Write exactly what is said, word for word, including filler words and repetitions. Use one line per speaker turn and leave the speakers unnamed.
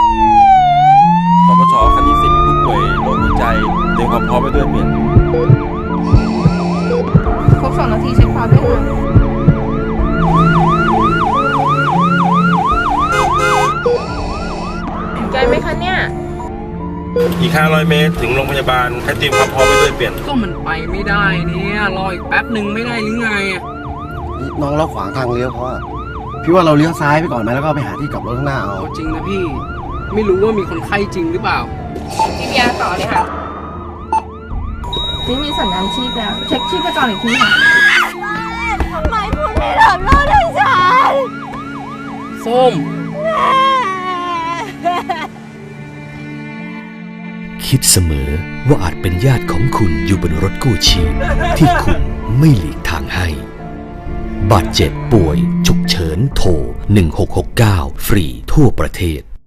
สปชคันที่สิบมีผู้ป่วยโรคหัวใจเตรียมความพร้อมไปด้วยเปลี่ยน
ครบสองนาทีเช็คพาวด้วยค่ะใจไหมคะเนี่ย
อีกห้าร้อยเมตรถึงโรงพยาบาลให้เตรียมความพร้อมไปด้วยเปลี่ยน
ก็มันไปไม่ได้เนี่ยรออีกแป๊บหนึ่งไม่ได้หรือไง
น้องเราขวางทางเลี้ยวเพราะว่าพี่ว่าเราเลี้ยวซ้ายไปก่อนไหมแล้วก็ไปหาที่กลับรถข้างหน้าเอา
จริงนะพี่ไม่รู้ว่ามีคนไข้จริงหรือเปล่า
จีพีอาร์ต่อเลยค่ะนี่มีสัญญาณชีพแล้วเช็คชีพจรอีกทีค่ะ
ทำไมคุณไม่ทำโทษให้ฉัน
ส้ม
คิดเสมอว่าอาจเป็นญาติของคุณอยู่บนรถกู้ชีพที่คุณไม่หลีกทางให้บาดเจ็บป่วยฉุกเฉินโทรหนึ่งหกหกเก้าฟรีทั่วประเทศ